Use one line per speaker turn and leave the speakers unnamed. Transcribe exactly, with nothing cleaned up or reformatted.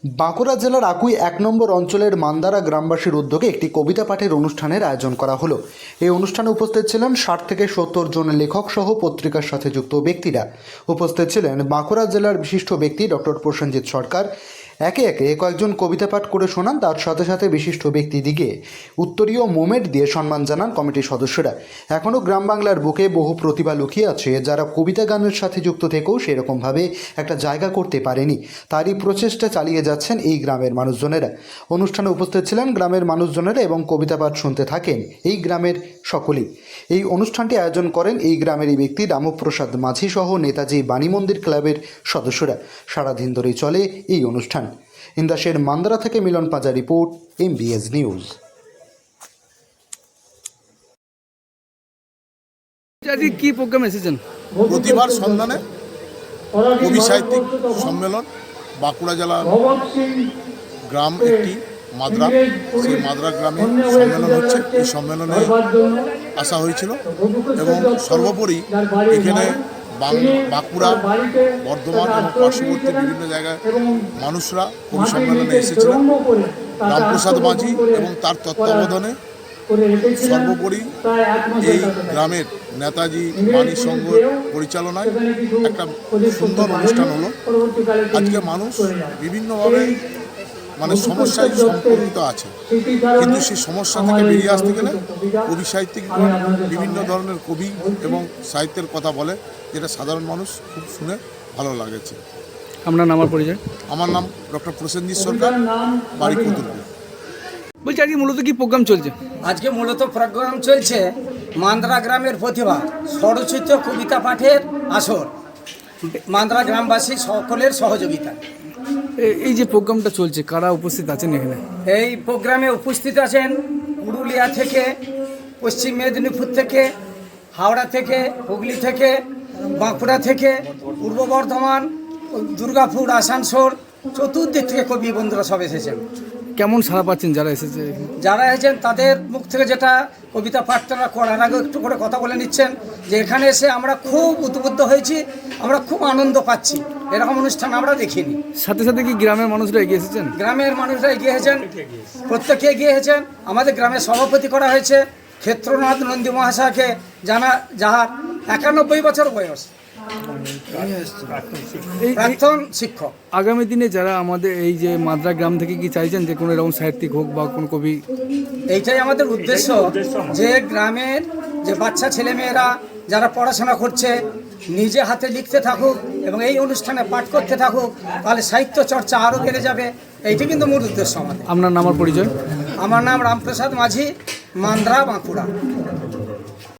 বাঁকুড়া জেলার আকুই এক নম্বর অঞ্চলের মান্দারা গ্রামবাসীর উদ্যোগে একটি কবিতা পাঠের অনুষ্ঠানের আয়োজন করা হলো। এই অনুষ্ঠানে উপস্থিত ছিলেন ষাট থেকে সত্তর জন লেখক সহ পত্রিকার সাথে যুক্ত ব্যক্তিরা। উপস্থিত ছিলেন বাঁকুড়া জেলার বিশিষ্ট ব্যক্তি ডক্টর প্রসেনজিৎ সরকার। একে একে কয়েকজন কবিতা পাঠ করে শোনান, তার সাথে সাথে বিশিষ্ট ব্যক্তিদিকে উত্তরীয় মোমেন্ট দিয়ে সম্মান জানান কমিটির সদস্যরা। এখনও গ্রাম বাংলার বুকে বহু প্রতিভা লুকিয়ে আছে, যারা কবিতা গানের সাথে যুক্ত থেকেও সেরকমভাবে একটা জায়গা করতে পারেনি। তারই প্রচেষ্টা চালিয়ে যাচ্ছেন এই গ্রামের মানুষজনেরা। অনুষ্ঠানে উপস্থিত ছিলেন গ্রামের মানুষজনেরা এবং কবিতা পাঠ শুনতে থাকেন এই গ্রামের সকলেই। এই অনুষ্ঠানটি আয়োজন করেন এই গ্রামেরই ব্যক্তি রামপ্রসাদ মাঝি সহ নেতাজি বাণী মন্দির ক্লাবের সদস্যরা। সারাদিন ধরেই চলে এই অনুষ্ঠান। ইন্দাসের মান্দারা থেকে Milan Paja report, MBS news.
আজকে কি প্রোগ্রাম এসেছেন?
প্রতিভার সন্ধানে কবি সাহিত্যিক সম্মেলন। বাঁকুড়া জেলার গ্রাম একটি মাদ্রা, সেই মাদ্রা গ্রামে সম্মেলন হচ্ছে। এই সম্মেলনে আসা হয়েছিল এবং সর্বোপরি এখানে বাঁকুড়া, বর্ধমান এবং পার্শ্ববর্তী বিভিন্ন জায়গায় মানুষরা কবি সম্মেলনে এসেছিলেন। রামপ্রসাদ মাঝি এবং তার তত্ত্বাবধানে সর্বোপরি এই গ্রামের নেতাজি বাণী সংঘ পরিচালনায় একটা সুন্দর অনুষ্ঠান হলো। আজকে মানুষ বিভিন্নভাবে মানে সমস্যায় সম্পর্কিত আছে, কিন্তু সেই সমস্যা থেকে বেরিয়ে আসতে গেলে কবি সাহিত্যিক বিভিন্ন ধরনের কবি এবং সাহিত্যের কথা বলে, যেটা সাধারণ মানুষ খুব শুনে ভালো লাগেছে।
আপনার নাম আর পরিচয়?
আমার নাম ডক্টর প্রসেনজিৎ সরকার, বাড়ি কতুলপুর।
বলছি আজকে মূলত কি প্রোগ্রাম চলছে?
আজকে মূলত প্রোগ্রাম চলছে মান্দারা গ্রামের প্রতিভা স্বরচিত কবিতা পাঠের আসর, মান্দারা গ্রামবাসী সকলের সহযোগিতা।
এই যে প্রোগ্রামটা চলছে, কারা উপস্থিত আছেন এখানে?
এই প্রোগ্রামে উপস্থিত আছেন পুরুলিয়া থেকে, পশ্চিম মেদিনীপুর থেকে, হাওড়া থেকে, হুগলি থেকে, বাঁকুড়া থেকে, পূর্ব বর্ধমান, দুর্গাপুর, আসানসোল, চতুর্দিক থেকে কবি বন্ধুরা সব এসেছেন।
কেমন সাড়া পাচ্ছেন যারা এসেছে?
যারা এসেছেন তাদের মুখ থেকে যেটা কবিতা পাঠ তারা করার আগে একটু করে কথা বলে নিচ্ছেন যে এখানে এসে আমরা খুব উদ্বুদ্ধ হয়েছি, আমরা খুব আনন্দ পাচ্ছি, এরকম অনুষ্ঠান আমরা দেখিনি।
সাথে সাথে কি গ্রামের মানুষরা এগিয়ে এসেছেন?
গ্রামের মানুষরা এগিয়ে এসেছেন, প্রত্যেকে এগিয়ে এসেছেন। আমাদের গ্রামের সভাপতি করা হয়েছে ক্ষেত্রনাথ নন্দী মহাশয়কে, জানা যাহার একানব্বই বছর বয়স, প্রাক্তন শিক্ষক।
আগামী দিনে যারা আমাদের এই যে মাদ্রা গ্রাম থেকে কি চাইছেন যে কোনো এরকম সাহিত্যিক হোক বা কোন কবি?
এইটাই আমাদের উদ্দেশ্য, যে গ্রামের যে বাচ্চা ছেলেমেয়েরা যারা পড়াশোনা করছে নিজে হাতে লিখতে থাকুক এবং এই অনুষ্ঠানে পাঠ করতে থাকুক, তাহলে সাহিত্য চর্চা আরও বেড়ে যাবে। এইটা কিন্তু মূল উদ্দেশ্য আমাদের।
আপনার নাম আর পরিচয়?
আমার নাম রামপ্রসাদ মাঝি, মান্দারা, বাঁকুড়া।